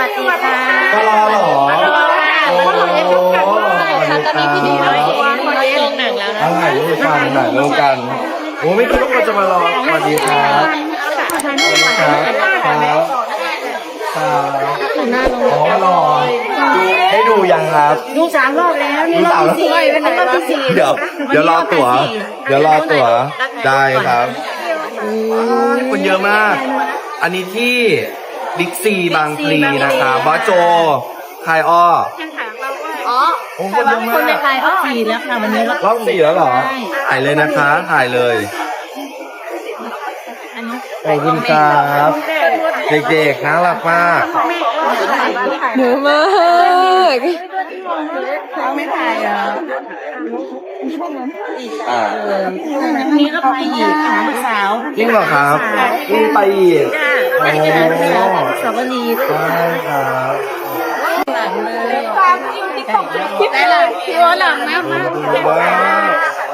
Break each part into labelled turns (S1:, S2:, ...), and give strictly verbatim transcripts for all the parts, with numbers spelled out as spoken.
S1: วัสดีค่ะ
S2: มารอเหรอโอ้โหสวัสดีครับ
S1: ตอนนี้พี่ดีน้อยเองมาลงหนังแล้วนะ
S2: ถ่ายรูปกันถ่ายรูปกันโอ้ไม่คิดว่าเราจะมารอสวัสดีครับสวัสดีครับครับครับอ๋อรอดูให้ดูยังครับ
S1: ดูสามรอบแล้วนี่รอบที่สี่เป็นรอบที่สี่
S2: เดี๋ยวเดี๋ยวรอตั๋วเดี๋ยวรอตั๋วได้ครับคนเยอะมาก อันนี้ที่บิ๊กซีบางพลีนะคะบอสโจคายอ้อ
S1: อ๋อ
S2: โอ้คนเยอะมาก
S1: คนในไทยรอบสี่แล้วค่ะวันนี้
S2: รอบสี่แล้วเหรอ ถ่ายเลยนะคะ ถ่ายเลยขอบคุณครับ เด็กๆน่ารักมาก
S1: เยอะมากเขาไม่ถ่ายอ่ะ
S2: อ่า
S1: นี่ก็ไปอีกหาสาว
S2: จริงเหรอครับยิ่งไปอีกโอ้
S1: สาวรี
S2: ใช่ครับ
S1: ได้เลยพี่ว่าหลังนะ
S2: ว้าว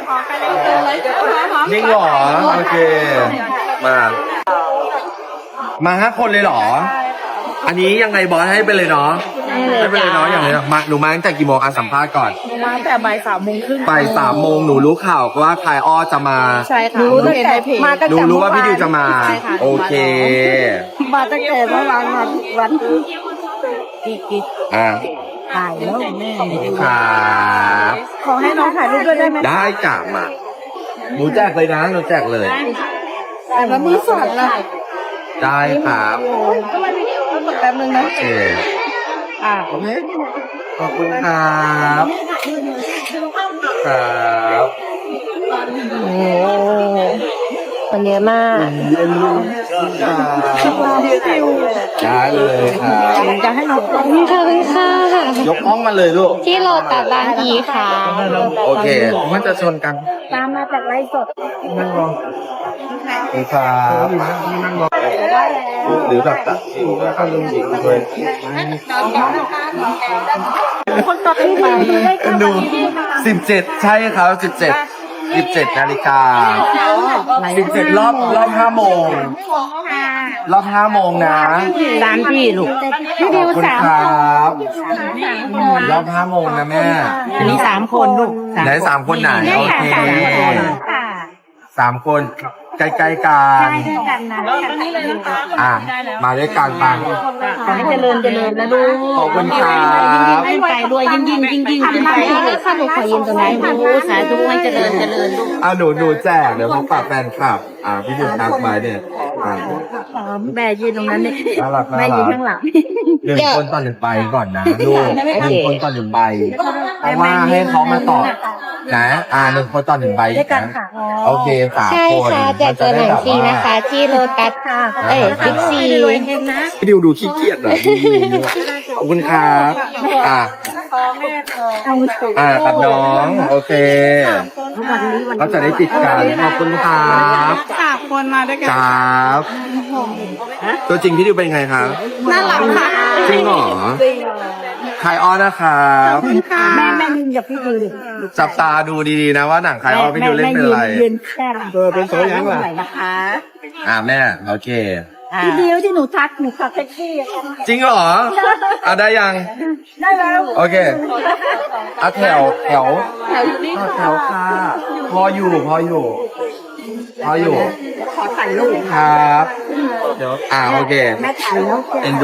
S2: จริงเหรอ โอเค มา มาห้าคนเลยเหรอ อันนี้ยังไงบอสให้ไปเลยเนาะให้ไปเลยเนาะอย่างไรเนาะมาหนูมาตั้งแต่กี่โมงอ่ะสัมภาษณ์ก่อน
S1: มาแต่บ่ายสามโมงครึ่ง
S2: บ่ายสามโมงหนูรู้ข่าวว่าคายอ้อจะมา
S1: ใช่ค่ะรู้ตั้งแต่มาตั้ง
S2: หนู
S1: แต่
S2: รู้ว่าพี่ดิวจะมา
S1: ใช่ค่ะ
S2: โอเค
S1: มาตั้งแต่เมื่อวานมาวันกี่กี่
S2: อ่า
S1: ถ่ายแล้วแม่
S2: ครับ
S1: ขอให้น้องถ่ายรูปด้วยได้ไหม
S2: ได้กลับมาหนูแจกเลยนะหนูแจกเลย
S1: แต่ละมือสั่นละ
S2: ได้ครับ
S1: แป๊บนึงนะ
S2: โอเค
S1: อ่า
S2: โอเคขอบคุณครับครับ
S1: โอ้คนเยอะมาก
S2: เย็นลูกได้เลยครับ
S1: จะให้น้อง
S3: ขอบคุณค่ะ
S2: ยกห้องมาเลยลูก
S3: ที่โลตัสบางพีค่ะ
S2: โอเคมันจะชนกัน
S1: ตามมาจากไลฟ์สด
S2: นั่งรอดีครับนั่งรอหรือแบบตัดสิวแล้วก็ลืมสิวด้วย
S1: คนต่อที่มาได้ค่ะ
S2: ดูสิบเจ็ดใช่ครับสิบเจ็ดสิบเจ็ดนาฬิกาสิบเจ็ดรอบรอบห้าโมงรอบห้าโมงนะ
S1: ตามพี่ลูก
S2: ขอบคุณครับรอบห้าโมงนะแม่
S1: อันนี้สามคนลูก
S2: ไหนสามคนไหนโอเคสามคนใกล้ๆกัน
S1: กันนะกันนี้เลยนะคะ
S2: อ่ะมาด้วยกันปัง
S1: ขอให้เจริญเจริญนะลูก
S2: ขอบคุณครับ
S1: ยิ่งไปด้วยยิ่งยิ่งยิ่งยิ่งยิ่งไปเลยค่ะหนูขอยืนตรงนี้ลูกสาธุให้เจริญเจริญลูก
S2: อ่ะหนูหนูแจกเดี๋ยวพบปะแฟนคลับ อ่าพี่ดิวทักมาเนี่ยอ่า
S1: แม่ยืนตรงนั้นนี่
S2: น่ารักน่า
S1: แม่ยื
S2: รั
S1: น
S2: ก
S1: ข้างหลัง
S2: หนึ่งคนต่อหนึ่งใบก่อนนะลูกหนึ่งคนต่อหนึ่งใบเพราะว่าให้เขามาตอบนะอ่าหนึ่งคนต่อหนึ่งใบ
S1: ด้วยกัน
S2: นะ
S1: ค่ะ
S2: โอเคสาม
S3: ใช่
S2: คน
S3: ค่ะแจกตัวหนังฟรีนะคะ ที่โลตัสเอ้ยบิ๊กซี
S2: พี่ดิวดูขี้เกียจอ่ะดูขอบคุณครับอ่าอ่ากับน้องโอเคเขาจะได้ติดกันขอบคุณครับ
S1: สามคนมาด้วยกัน
S2: ครับตัวจริงพี่ดิวเป็นไงครับ
S1: น่ารักค่ะ
S2: จริงเหรอคายอ้อนะครับ
S1: แม่แม่ยืนกับพี่ดิวดิ
S2: จับตาดูดีๆนะว่าหนังคายอ้อพี่ดิวเล่นเป็นอะไร
S1: ยืนแค่เออเป็นโซยังล่ะนะคะ
S2: อ่าแม่โอเค
S1: พี่ดิวที่หนูทักหนูขับแท็กซี่
S2: จริงเหรออ่ะได้ยัง
S1: ได้แล้ว
S2: โอเคอ่ะแถวแถวแถวอยู่นี่แถวค่ะพออยู่พออยู่พออยู่
S1: ขอถ่ายรูป
S2: ครับเดี๋ยวอ่าโอเค
S1: แม่ถ่ายแล้ว
S2: เอ็นดู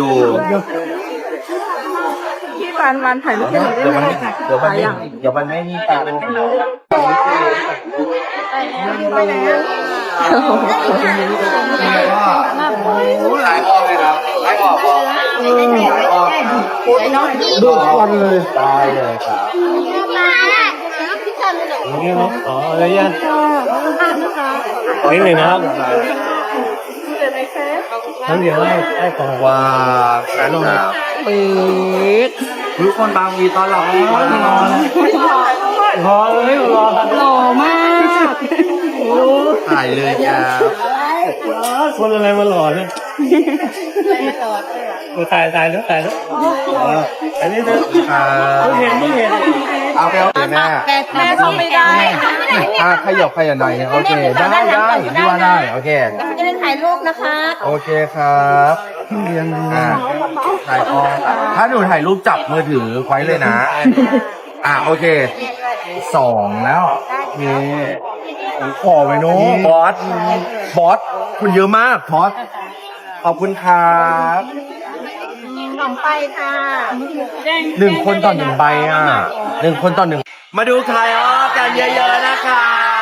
S1: พี่วานวานถ่ายรูปให้หนูได้
S2: เดี๋ยว
S1: ไห
S2: มัน
S1: ม
S2: ไม่เดี๋ยวมันไม่เดี๋ยวมันไม่มีตาเป็นไปแล้วหลายออกเลยครับหลายออกหลายออกดูคนเลยได้เลยครับนี่เนาะอ๋ออะไรยังนี่เลยนะครับทั้งเดียวได้ได้ก่อนว่าแฟนเราปีกทุกคนบางวีตอนหลับรอรอเลยรอหล่อมากถ่ายเลยครับคนอะไรมาหล่อเนี่ยถ่ายถ่ายแล้วถ่ายแล้วอันนี้เธอเห็นไม่เห็นเอาไปเอาไปแม่
S1: แม่เข้าไม่ได้
S2: อ่ะขยับขยับหน่อยโอเคได้ได้พี่ว่าได้โอเค
S1: จะได้ถ่ายรูปนะคะ
S2: โอเคครับเรียนอ่าถ่ายออกถ้าหนูถ่ายรูปจับมือถือไว้เลยนะ อ่าโอเคสองแล้วนี่ขอไปโน้บอสบอสคุณเยอะมากบอสขอบคุณครับ
S1: สองไปค่ะ
S2: หนึ่งคนต่อหนึ่งใบอ่ะหนึ่งคนต่อหนึ่งมาดูใครออกันเยอะๆนะคะ